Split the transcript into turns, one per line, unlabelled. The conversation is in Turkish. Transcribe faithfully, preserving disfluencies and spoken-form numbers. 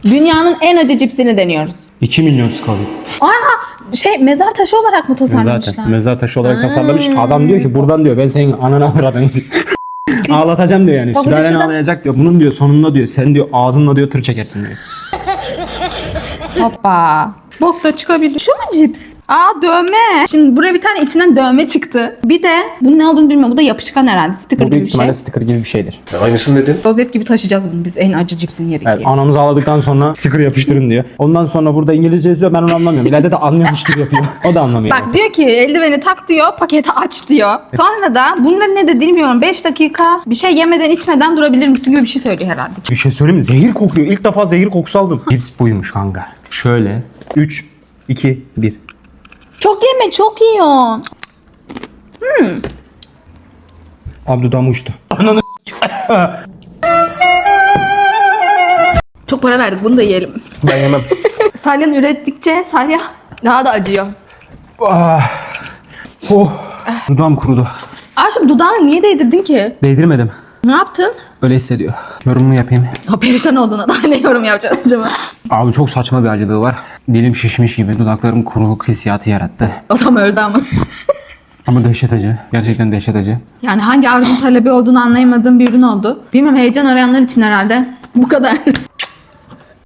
Dünyanın en acı cipsini deniyoruz.
iki milyon Scoville.
Aa, şey mezar taşı olarak mı tasarlamışlar?
Zaten mezar taşı olarak tasarlamış. Adam diyor ki buradan diyor ben senin ananı avradını diyor. Ağlatacağım diyor yani.
Bak, bir de
Sülalen
şurada-
ağlayacak diyor. Bunun diyor sonunda diyor sen diyor ağzınla diyor tır çekersin diyor.
Hoppa. Bok da çıkabilir. Şu mu cips? Aa, dövme. Şimdi buraya bir tane içinden dövme çıktı. Bir de bunun ne olduğunu bilmiyorum. Bu da yapışkan herhalde. Sticker
Bu
gibi
büyük
bir
ihtimalle
şey.
sticker gibi bir şeydir.
Aynısını dedin.
Rozet gibi taşıyacağız bunu biz en acı cipsin yeri
Evet,
diye.
anamızı ağladıktan sonra sticker yapıştırın diyor. Ondan sonra burada İngilizce yazıyor ben onu anlamıyorum. İleride de anlıyormuş gibi yapıyor. O da anlamıyor.
Bak diyor ki eldiveni tak diyor, paketi aç diyor. Sonra da bunda ne de bilmiyorum beş dakika bir şey yemeden içmeden durabilir misin gibi bir şey söylüyor herhalde.
Bir şey söyleyeyim mi? Zehir kokuyor. İlk defa zehir kokusu aldım. Cips buymuş kanka. Şöyle. üç, iki, bir.
Çok yeme, çok yiyorsun.
Abi dudağım uçtu. Ananı
Çok para verdik, bunu da yiyelim.
ben yemem.
Salyan ürettikçe Salya daha da acıyor.
Ah. Oh. Dudağım kurudu.
Aşkım dudağını niye değdirdin ki?
Değdirmedim.
Ne yaptın?
Öyle hissediyor. Yorumumu yapayım.
Ha, perişan olduğuna daha ne yorum yapacaksın acaba?
Abi çok saçma bir acılığı var. Dilim şişmiş gibi dudaklarım kuruluk hissiyatı yarattı.
Adam öldü ama.
Ama dehşet acı. Gerçekten dehşet acı.
Yani hangi arzun talebi olduğunu anlayamadığım bir ürün oldu. Bilmem, heyecan arayanlar için herhalde. Bu kadar.